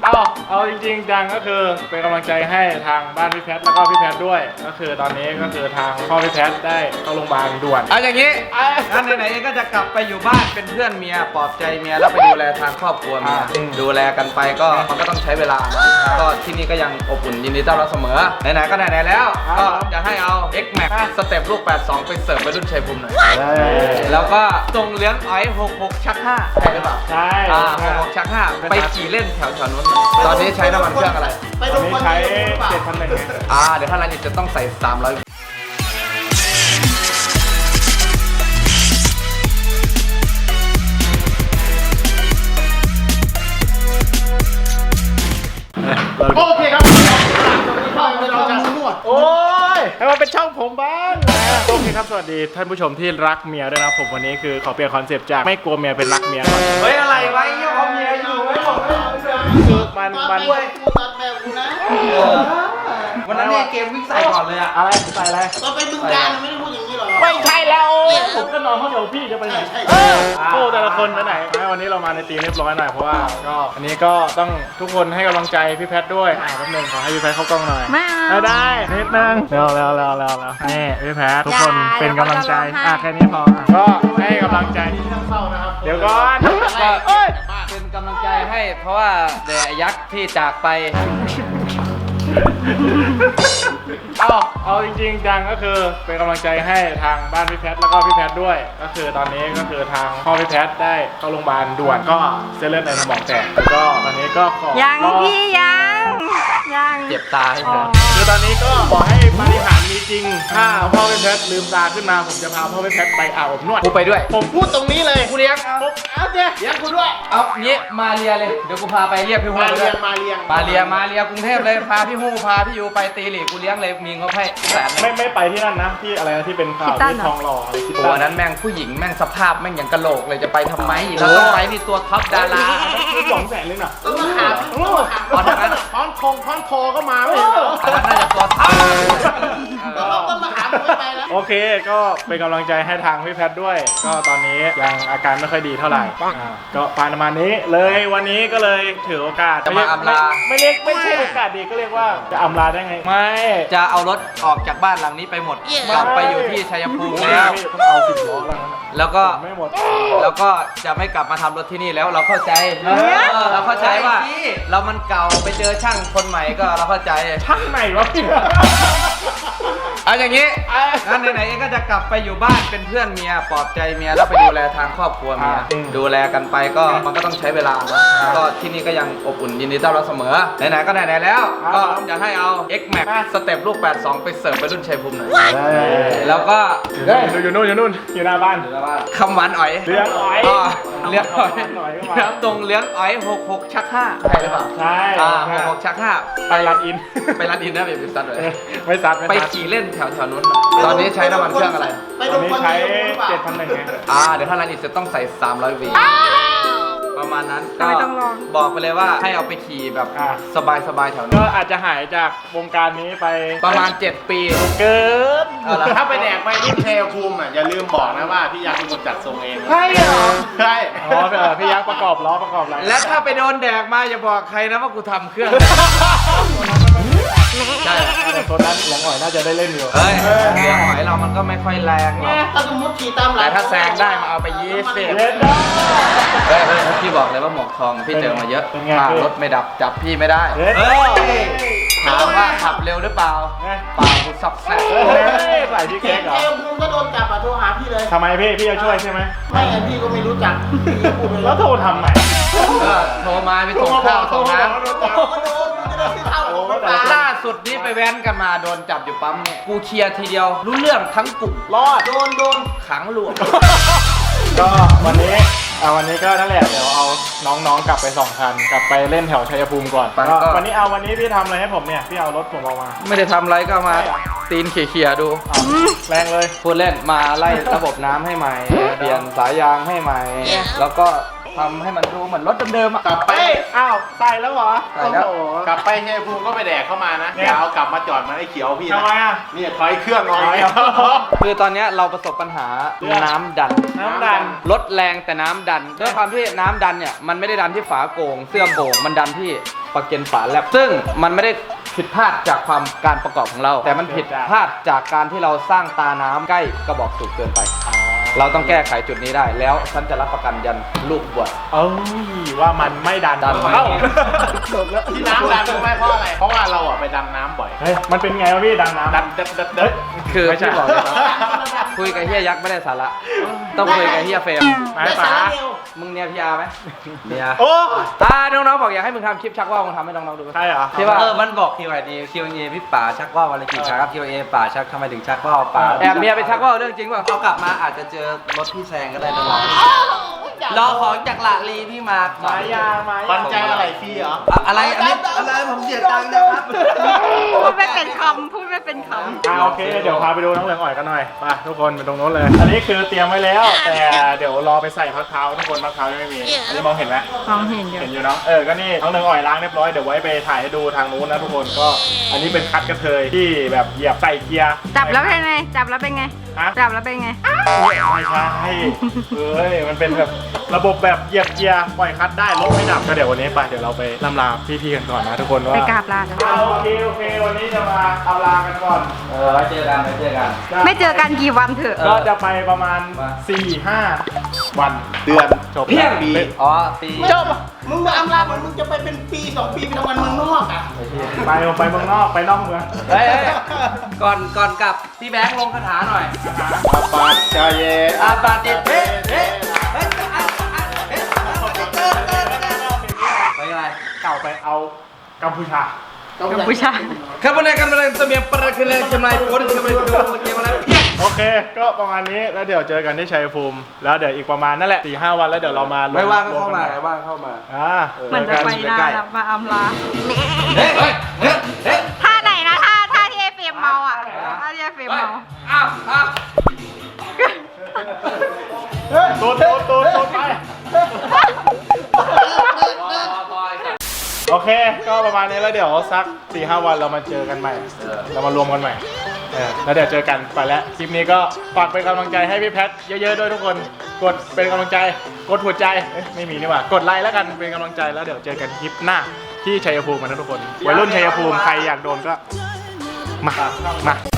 เอาจริงๆจังก็คือเป็นกำลังใจให้ทางบ้านพี่แพทแล้วก็พี่แพทด้วยก็คือตอนนี้ก็คือทางพ่อพี่แพทได้เข้าโรงพยาบาลด่วนเอาอย่างนี้งั้นไหนๆเองก็จะกลับไปอยู่บ้านเป็นเพื่อนเมียปลอบใจเมียแล้วไปดูแลทางครอบครัวเมียดูแลกันไปก็มันก็ต้องใช้เวลาก็ที่นี่ก็ยังอบอุ่นยินดีต้อนรับเสมอไหนๆก็ไหนๆแล้วก็จะให้เอา X Max สเต็ปลูก82ไปเสิร์ฟไปรุ่นชัยภูมิหน่อยแล้วก็ส่งเลี้ยงอ้อย66ชัก5ใช่หรือเปล่าใช่ 66ชัก5ไปขี่เล่นแถวนู้นตอนนี้ใช้น้ำมันเครื่องอะไรตอนนี้ใช้7,100 เดี๋ยวถ้าร้านนี้จะต้องใส่300 โอเคครับช่องเราจะนวดโอ้ยให้มันเป็นช่องผมบ้างนะโอเคครับสวัสดีท่านผู้ชมที่รักเมียด้วยนะผมวันนี้คือขอเปลี่ยนคอนเซปต์จากไม่กลัวเมียเป็นรักเมียก่อนเฮ้ยอะไรวะยังเอาเมียอยู่ไม่บอกเลยคือมันด้วยกูตัดแบบกูนะวันนั้นเนี่ยเกมวิ่งใส่ก่อนเลยอะอะไรใส่อะไรตอนไปบึงกาฬไม่ได้พูดอย่างนี้หรอไม่ใช่แล้วผมก็นอนห้องเดียวพี่จะไปไหนโอ้แต่ละคนไปไหนวันนี้เรามาในทีมเรียบร้อยหน่อยเพราะว่าก็อันนี้ก็ต้องทุกคนให้กำลังใจพี่แพทด้วยแป๊บนึงขอให้พี่แพทเข้ากล้องหน่อยไม่ได้นิดนึงแล้วนี่พี่แพททุกคนเป็นกำลังใจแค่นี้พอก็ให้กำลังใจเดี๋ยวก่อนเป็นกำลังใจให้เพราะว่าเดอะยักษ์ที่จากไปเอาจริงๆจังก็คือเป็นกำลังใจให้ทางบ้านพี่แพทแล้วก็พี่แพทด้วยก็คือตอนนี้ก็คือทางพ่อพี่แพทได้เข้าโรงพยาบาลด่วนก็เส้นเลือดในสมองแตกแล้วก็ตอนนี้ก็ขอยังพี่ยังเจ็บตาให้เธอคือตอนนี้ก็ขอให้ปาฏิหาริย์มีจริงถ้าพ่อพี่แพทลืมตาขึ้นมาผมจะพาพ่อพี่แพทไปอาบอบนวดกูไปด้วยผมพูดตรงนี้เลยกูเลี้ยงเอาเจ๊เลี้ยงกูด้วยเอางี้มาเรียเลยเดี๋ยวกูพาไปเรียกพี่ฮู้มาเรียกรุงเทพเลยพาพี่ฮู้พาพี่ยูไปตีหลีกูเลี้ยงเลยมีงบให้100,000 ไม่ไปที่นั่นนะที่อะไรนะที่เป็นข่าวที่ทองหล่ออะไรที่ตัวนั้นแม่งผู้หญิงแม่งสภาพแม่งอย่างกะโหลกเลยจะไปทำไมเราต้องไปนี่ตัวท็อปดาราคือ200,000เลยน่ะต้องมาหาตอนนั้นค้อนคอก็มาไม่เห็นเหรอตอนนั้นน่าจะตัวท็อปต้องมาหาไปแล้วโอเคก็เป็นกำลังใจให้ทางพี่แพทด้วยก็ตอนนี้ยังอาการไม่ค่อยดีเท่าไหร่ก็ประมาณนี้เลยวันนี้ก็เลยถือโอกาสจะมาอำลาไม่ใช่โอกาสดีก็เรียกว่าจะอำลาได้ไงไม่จะเอารถออกจากบ้านหลังนี้ไปหมดกลับไปอยู่ที่ชัยภูมิแล้วต้องเอา10 ล้อแล้วก็ไม่หมดแล้วก็จะไม่กลับมาทำรถที่นี่แล้วเราเข้าใจเราเข้าใจว่าเรามันเก่าไปเจอช่างคนใหม่ก็เราเข้าใจช่างไหนวะพี่เอาอย่างนี้งั้นไหนๆเองก็จะกลับไปอยู่บ้านเป็นเพื่อนเมียปลอบใจเมียแล้วไปดูแลทางครอบครัวเมียดูแลกันไปก็มันก็ต้องใช้เวลาก็ที่นี่ก็ยังอบอุ่นยินดีต้อนรับเสมอไหนๆก็ไหนๆแล้วก็จะให้เอา X Max สเต็ปลูก82ไปเสิร์ฟไปรุ่นชัยภูมิหน่อยแล้วก็อยู่นู่นอยู่หน้าบ้านคำหวานอ๋อยเลี้ยงอ๋อยแล้วตรงเลี้ยงอ๋อย66ชัก5ใช่หรือเปล่าใช่ 66ชัก5 ไปรัดอินนะไปซัดเลยไม่ซัดไปขี่เล่นแถวนู้นตอนนี้ใช้น้ำมันเครื่องอะไรตอนนี้ใช้7,100 เดี๋ยวถ้าร้านนี้จะต้องใส่300 วีประมาณนั้นก็บอกไปเลยว่าให้เอาไปขี่แบบสบายแถวนี้ก็อาจจะหายจากวงการนี้ไปประมาณ7 ปีเกินถ้าไปแดกไปที่ชัยภูมิอย่าลืมบอกนะว่าพี่ยักษ์เป็นคนจัดทรงเองใช่เหรอใช่พี่ยักษ์ประกอบล้อประกอบอะไรและถ้าไปโดนแดกมาอย่าบอกใครนะว่ากูทำเครื่องใช่ตัวนั้นหลงหอยน่าจะได้เล่นอยู่เฮ้ยเลี้ยงหอยเรามันก็ไม่ค่อยแรงหรอกถ้าสมมติขี่ตามหลังแต่ถ้าแซงได้มาเอาไป20พี่บอกเลยว่าหมวกทองพี่เจอมาเยอะรถไม่ดับจับพี่ไม่ได้ถามว่าขับเร็วหรือเปล่าเปล่ากูซับแซ่บใส่พี่แก๊กเหรอภูมิก็โดนจับโทรหาพี่เลยทำไมพี่จะช่วยใช่ไหมไม่พี่ก็ไม่รู้จักแล้วโทรทำไหนโทรมาไปส่งข้าวส่งน้ำล่าสุดนี้ไปแว้นกันมาโดนจับอยู่ปั๊มเนี่ยกูเคลียร์ทีเดียวรู้เรื่องทั้งกลุ่มรอดโดนขังหลวงก็วันนี้ก็นั่นแหละเดี๋ยวเอาน้องๆกลับไป2 คันกลับไปเล่นแถวชัยภูมิก่อนวันนี้พี่ทำอะไรให้ผมเนี่ยพี่เอารถผมออกมาไม่ได้ทำอะไรก็มาตีนเขี่ยดูแรงเลยพูดเล่นมาไล่ระบบน้ำให้ใหม่เปลี่ยนสายยางให้ใหม่แล้วก็ทำให้มันดูเหมือนรถเดิมๆอ่ะกลับไปอ้าวใส่แล้วเหรอใส่แล้วโอ้โหกลับไปชัยภูมิก็ไปแดกเข้ามานะเนี่ยอย่าเอากลับมาจอดเหมันไอ้เขียวพี่ทำไมนะอ่ะนี่ถอยเครื่องหน่อยคือตอนเนี้ยเราประสบปัญหาเรื่องน้ำดันน้ำดันรถแรงแต่น้ำดันด้วยความที่น้ำดันเนี่ยมันไม่ได้ดันที่ฝาโก่งเสื้อโก่งมันดันที่ประเก็นฝาแลบซึ่งมันไม่ได้ผิดพลาดจากความการประกอบของเรา แต่มันผิดพลาดจากการที่เราสร้างตาน้ำใกล้กระบอกสูบเกินไป เราต้องแก้ไขจุดนี้ได้แล้วฉันจะรับประกันยันลูกบวชเอ้ยว่ามันไม่ดันดันไหมเอ้าที่น้ำดันรู้ไหมเพราะอะไร เพราะว่าเราอ่ะไปดำน้ำบ่อยเฮ้ยมันเป็นไงวะพี่ดันน้ำดันเด้อคือไม่ใช่พี่บอกเลยครับคุยกับเฮียยักษ์ไม่ได้สาระต้องคุยกับเฮียเฟรมไม้ป๋ามึงเนี่ยพี่อาร์ไหมเนี่ยโอ้น้องๆบอกอยากให้มึงทำคลิปชักว่าวมึงทำให้น้องๆดูใช่เหรอที่ว่ามันบอก Q&A Q&A พี่ป๋าชักว่าวอะไรกี่ครั้งครับ Q&A ป๋าชักทำไมถึงชักว่าวป๋าแอบเมียไปชักว่าวเรื่องจริงเปล่าเขากลับมาอาจจะเจอรถพี่แซงก็ได้นะรอของจากหลาลีพี่มาร์คไม้ยางไม้ปันใจอะไรฟรีเหรออะไรอันนี้อะไรผมเสียตังค์นะครับพูดไม่เป็นคำพูดไม่เป็นคำโอเคเดี๋ยวพาไปดูน้องเหลืองอ่อยกันหน่อยไปทุกคนไปตรงโน้นเลย อันนี้คือเตรียมไว้แล้ว แต่เดี๋ยวรอไปใส่พักเท้าทุกคนพักเท้ายังไม่มีอันนี้มองเห็นไหมมองเห็นอยู่เห็นอยู่เนาะก็นี่น้องเหลืองอ่อยล้างเรียบร้อยเดี๋ยวไว้ไปถ่ายให้ดูทางนู้นนะทุกคนก็อันนี้เป็นคัดกระเทยที่แบบเหยียบใส่เกียร์จับแล้วเป็นไง จับแล้วเป็นไงฮะจับแล้วเป็นไงไม่ใช่เอ้ยมันเป็นแบบระบบแบบเหยียบเกียร์ปล่อยคัดได้รถไม่ดับก็เดี๋ยววันนี้ไปเดี๋ยวเราไปล่ำลาพี่ๆกันก่อนนะทุกคนว่าไปกราบลาจ้ะโอเควันนี้จะมาเอาลากันก่อนไว้เจอกันไว้เจอกันไม่เจอกันกี่วันเถอะก็จะไปประมาณ 4-5 วันเดือนจบเพี้ยงปีอ๋อปีจบมึงมาอำลามึงจะไปเป็นปี2 ปีไปทำงานเมืองนอกอ่ะไปเมืองนอกไปนอกเมืองเฮ้ยก่อนกลับพี่แบงค์ลงคาถาหน่อยอาปัจจเยอาปาติเฮ้เฮ้ไปไงเก่าไปเอากัมพูชากัมพูชาครับวันนี้กันมาเลยเสมียนประคืนเลยจำนายโพสต์จำนายโพสต์เกมอะไรโอเค ก็ประมาณนี้แล้วเดี๋ยวเจอกันที่ชัยภูมิแล้วเดี๋ยวอีกประมาณนั่นแหละ 4-5 วันแล้วเดี๋ยวเรามาไม่ว่างก็เข้ามารวไม่ว่างเข้ามามันจะไปนานมาอำลาเฮ้ยเฮ้ยเฮ้ยท่าไหนนะท่าที่ไอ้เฟรมเมาอ่ะท่าที่ไอ้เฟรมเมาอ้าวตูดไปโอเค ก็ประมาณนี้แล้วเดี๋ยวสัก 4-5 วันเรามาเจอกันใหม่เรามารวมกันใหม่แล้วเดี๋ยวเจอกันไปแล้วคลิปนี้ก็ฝากเป็นกำลังใจให้พี่แพทเยอะๆด้วยทุกคนกดเป็นกำลังใจกดหัวใจไม่มีนี่หว่ากดไลค์แล้วกันเป็นกำลังใจแล้วเดี๋ยวเจอกันคลิปหน้าที่ชัยภูมิกันนะทุกคนวัยรุ่นชัยภูมิใครอยากโดนก็มา